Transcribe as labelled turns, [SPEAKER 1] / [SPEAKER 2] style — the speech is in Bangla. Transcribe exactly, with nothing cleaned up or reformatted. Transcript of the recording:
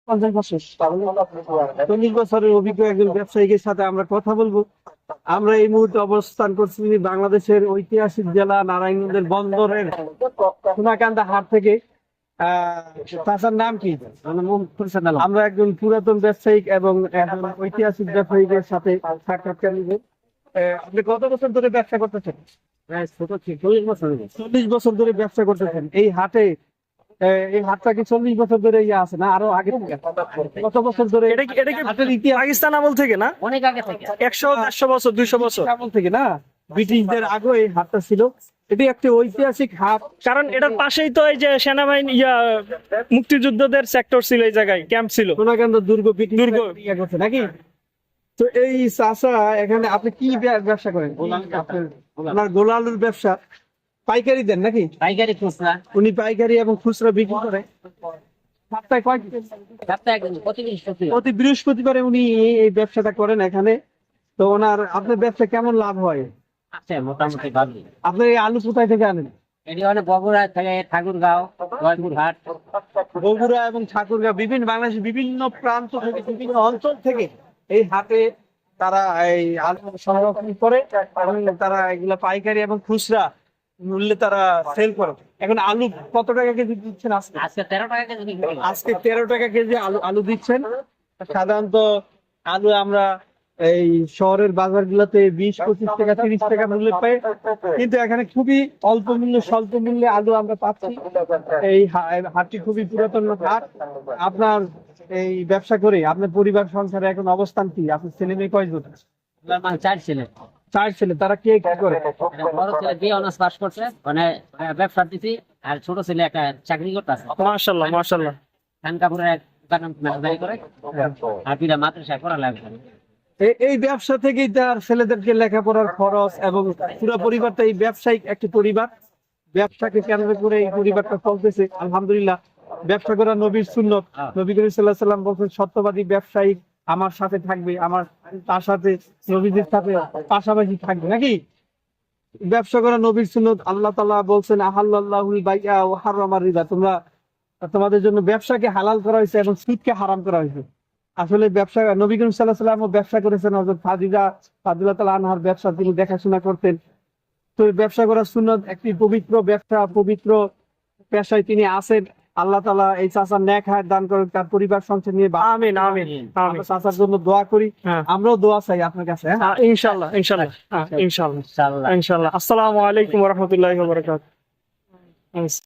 [SPEAKER 1] পঞ্চাশ বছর চল্লিশ বছরের অভিজ্ঞ একজন ব্যবসায়ীর সাথে আমরা কথা বলবো। আমরা এই মুহূর্তে অবস্থান করছি বাংলাদেশের ঐতিহাসিক জেলা নারায়ণগঞ্জের বন্দরের সোনাকান্দা হাট থেকে। আহ চাচার নাম কি? আমরা একজন পুরাতন ব্যবসায়িক এবং একজন ঐতিহাসিক ব্যবসায়ীদের সাথে সাক্ষাৎকার নিব। আহ, আপনি কত বছর ধরে ব্যবসা করতেছেন? চল্লিশ বছর চল্লিশ বছর ধরে ব্যবসা করতেছেন এই হাটে। আহ, এই হাটটা কি চল্লিশ বছর ধরে ইয়ে আছে না আরো আগে থেকে? কত বছর ধরে
[SPEAKER 2] এটা কি এটা কি
[SPEAKER 1] হাটের ইতিহাস?
[SPEAKER 2] পাকিস্তান আমল থেকে না?
[SPEAKER 3] অনেক আগে থেকে।
[SPEAKER 2] একশো দেড়শো বছর দুইশো বছর।
[SPEAKER 1] আমল থেকে না, ব্রিটিশদের আগে এই হাটটা ছিল। এটি একটি ঐতিহাসিক হাট।
[SPEAKER 2] কারণ এটার পাশেই তো এই যে সেনাবাহিনী ইয়া মুক্তিযুদ্ধদের সেক্টর ছিল, এই জায়গায় ক্যাম্প ছিল।
[SPEAKER 1] সোনাকান্দা দুর্গ ব্রিটিশ
[SPEAKER 2] দুর্গ।
[SPEAKER 1] ইয়ে করছে নাকি? তো এই চাচা এখানে আপনি কি ব্য- ব্যবসা করেন? আপনার- আপনার গোল আলুর ব্যবসা পাইকারি দেন নাকি?
[SPEAKER 3] পাইকারি খুচরা
[SPEAKER 1] উনি পাইকারি এবং খুচরা বিক্রি করে। সপ্তাহে কয়
[SPEAKER 3] সপ্তাহে একদিন প্রতি বৃহস্পতিবার।
[SPEAKER 1] প্রতি বৃহস্পতিবারে উনি এই এই ব্যবসাটা করেন এখানে। তো ওনার আপনার ব্যবসা কেমন লাভ হয়?
[SPEAKER 3] আছে মোটামুটি ভালোই।
[SPEAKER 1] আপনার এই আলু কোথায় থেকে আনেন?
[SPEAKER 3] এটি অনেক বগুড়া থেকে ঠাকুরগাঁও, জয়পুরহাট।
[SPEAKER 1] বগুড়া এবং ঠাকুরগাঁও বিভিন্ন বাংলাদেশের বিভিন্ন প্রান্ত থেকে বিভিন্ন অঞ্চল থেকে এই হাটে তারা এই আলু সংরক্ষণ করে এবং তারা এগুলা পাইকারি এবং খুচরা মূল্যে তারা সেল করে। এখন আলু কত টাকা কেজি দিচ্ছেন আজকে?
[SPEAKER 3] আজকে তেরো টাকা কেজি বিক্রি করলাম।
[SPEAKER 1] আজকে তেরো টাকা কেজি আলু আলু দিচ্ছেন। সাধারণত আলু আমরা এই শহরের বাজার গুলোতে বিশ পঁচিশ টাকা তিরিশ টাকা মূল্যে পাই, কিন্তু এখানে খুবই অল্প মূল্যে স্বল্প মূল্যে আলু আমরা পাচ্ছি। এই হা- হাটটি খুবই পুরাতন হাট। আপনার এই ব্যবসা করে আপনার পরিবার সংসারে এখন অবস্থান কি? আপনার ছেলে মেয়ে কয়জন?
[SPEAKER 3] আমার মানে চার ছেলে।
[SPEAKER 1] চার ছেলে, তারা কে কি করে?
[SPEAKER 3] একটা বড় ছেলে বিয়ে অনার্স পাস করছে, মানে ব্যবসা দিছি। আর ছোট ছেলে একটা চাকরি করতেছে
[SPEAKER 2] মাশাআল্লাহ মাশাআল্লাহ।
[SPEAKER 3] খান কাপড়ের এক দোকানে ম্যানেজারি করে। আর পিতা মাদ্রাসায় পড়ালেখা করে।
[SPEAKER 1] এই এই ব্যবসা থেকেই তার ছেলেদেরকে লেখাপড়ার খরচ এবং পুরো পরিবারটা এই ব্যবসায়িক একটি পরিবার। ব্যবসাকে কেন্দ্র করে এই পরিবারটা চলতেছে আলহামদুলিল্লাহ। ব্যবসা করা নবীর সুন্নত। নবী করিম সাল্লাল্লাহু আলাইহি সাল্লাম বলেছেন সত্যবাদী ব্যবসায়ী আমার সাথে থাকবে, আমার তার সাথে নবীদের সাথে পাশাপাশি থাকবে নাকি? ব্যবসা করা নবীর সুন্নত। আল্লাহ তাআলা বলছেন আহাল্লাল্লাহুল বাইআ ওয়া হারামার রিবা, তোমরা তোমাদের জন্য ব্যবসাকে হালাল করা হয়েছে এবং সুদকে হারাম করা হয়েছে। আসলে ব্যবসা নবী করিম সাল্লাল্লাহু আলাইহি ওয়াসাল্লাম ব্যবসা করেছেন। হযরত ফাতিমা রাদিয়াল্লাহু তাআলা আনহার ব্যবসা তিনি দেখাশোনা করতেন। তো এই ব্যবসা করা সুন্নত, একটি পবিত্র ব্যবসা, পবিত্র পেশায় তিনি আছেন। আল্লাহ তাআলা এই চাচার নেক হায়াত দান করেন, তার পরিবার সংসার নিয়ে বা-
[SPEAKER 2] আমিন আমিন
[SPEAKER 1] আমরা
[SPEAKER 2] আমিন।
[SPEAKER 1] চাচার জন্য দোয়া করি।
[SPEAKER 2] হ্যাঁ।
[SPEAKER 1] আমরাও দোয়া চাই আপনার কাছে। হ্যাঁ
[SPEAKER 2] হ্যাঁ, ইনশাআল্লাহ ইনশাআল্লাহ হ্যাঁ, ইনশাআল্লাহ
[SPEAKER 3] ইনশাআল্লাহ।
[SPEAKER 2] ইনশাআল্লাহ। আসসালামু আলাইকুম ওয়া রাহমাতুল্লাহি ওয়া বারাকাতুহু।